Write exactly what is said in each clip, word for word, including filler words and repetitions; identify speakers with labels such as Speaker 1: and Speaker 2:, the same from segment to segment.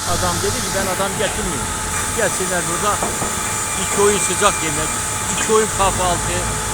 Speaker 1: Adam dedi ki ben adam getirmiyorum. Gelsinler burada iki öğün sıcak yemek, iki öğün kahvaltı.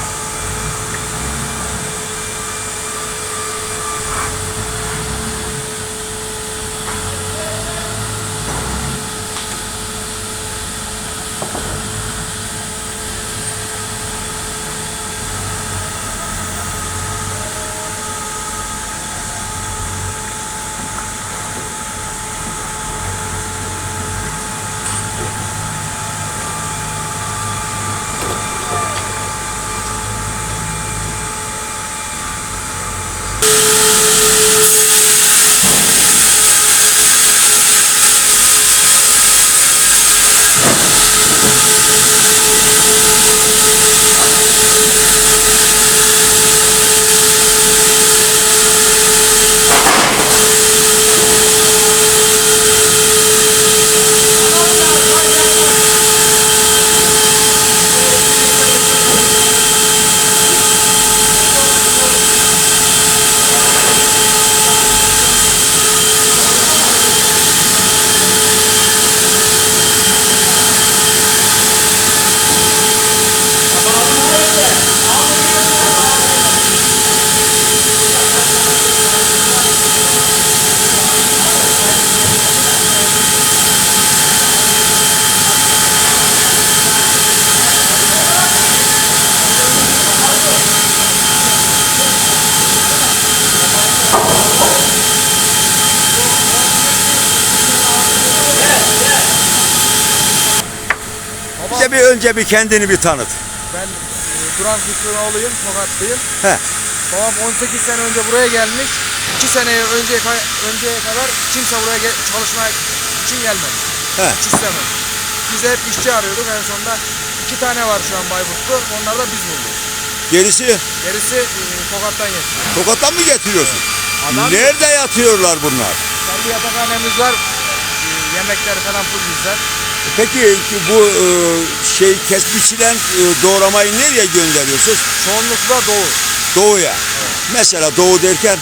Speaker 2: Bize bir önce bir kendini bir tanıt.
Speaker 3: Ben e, Duran Fikri'nin oğluyum, Tokatlıyım.
Speaker 2: He.
Speaker 3: Babam on sekiz sene önce buraya gelmiş. iki sene önce önceye kadar kimse buraya gel çalışmak için gelmedi.
Speaker 2: He.
Speaker 3: Hiç istemedi. Biz hep işçi arıyorduk. En sonunda iki tane var şu an Bayburtlu. Onlar da biz bulduk.
Speaker 2: Gerisi
Speaker 3: Gerisi e, Tokat'tan getiriyor.
Speaker 2: Tokat'tan mı getiriyorsun?
Speaker 3: Adam-
Speaker 2: Nerede yatıyorlar bunlar?
Speaker 3: Kendi yatakhanemiz var. E, yemekleri falan full bizden.
Speaker 2: Peki bu e, şey kes biçilen e, doğramayı nereye gönderiyorsunuz?
Speaker 3: Çoğunlukla Doğu.
Speaker 2: Doğuya. Mesela doğu derken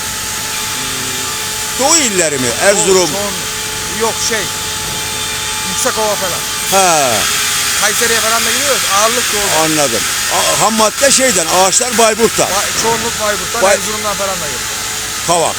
Speaker 2: Doğu illeri mi? Erzurum.
Speaker 3: Doğu, çoğunluk. Yok şey. Yüksekova falan.
Speaker 2: Ha,
Speaker 3: Kayseri'ye falan da gidiyoruz. Ağırlık Doğu'da.
Speaker 2: anladım. A- ham madde şeyden, ağaçlar Bayburt'ta.
Speaker 3: Ba- çoğunluk Bayburt'tan,
Speaker 2: Bay-
Speaker 3: Erzurum'dan falan da geliyor.
Speaker 2: Kavak.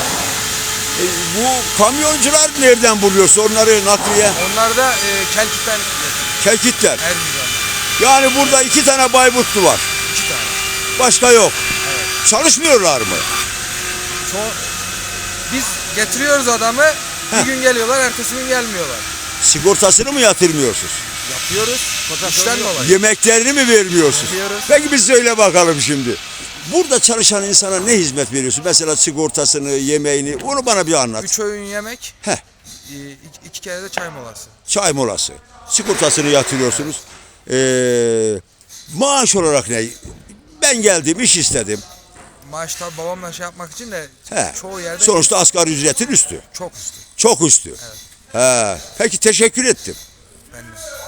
Speaker 2: E, bu kamyoncular nereden buluyorsun onları nakliye?
Speaker 3: Onlar da e, Kelkit'ten
Speaker 2: Kelkitler.
Speaker 3: Erzurum'dan.
Speaker 2: Yani burada iki tane Bayburtlu var.
Speaker 3: İki tane.
Speaker 2: Başka yok.
Speaker 3: Evet.
Speaker 2: Çalışmıyorlar mı?
Speaker 3: Ço- Biz getiriyoruz adamı. Bir
Speaker 2: Heh.
Speaker 3: gün geliyorlar, ertesi gün gelmiyorlar.
Speaker 2: Sigortasını mı yatırmıyorsunuz?
Speaker 3: Yapıyoruz. İşten dolayı.
Speaker 2: Yemeklerini mi vermiyorsunuz?
Speaker 3: Veriyoruz.
Speaker 2: Peki biz söyle bakalım şimdi. Burada çalışan insana ne hizmet veriyorsun? Mesela sigortasını, yemeğini, onu bana bir anlat.
Speaker 3: Üç öğün yemek,
Speaker 2: Heh,
Speaker 3: e, iki, iki kere de çay molası.
Speaker 2: çay molası. Sigortasını yatırıyorsunuz. Ee, maaş olarak ne? Ben geldim, iş istedim.
Speaker 3: Maaş tabi babamla şey yapmak için de
Speaker 2: He.
Speaker 3: çoğu yerde
Speaker 2: Sonuçta asgari ücretin üstü.
Speaker 3: çok üstü.
Speaker 2: Çok üstü. He. Peki teşekkür ettim.
Speaker 3: Ben de.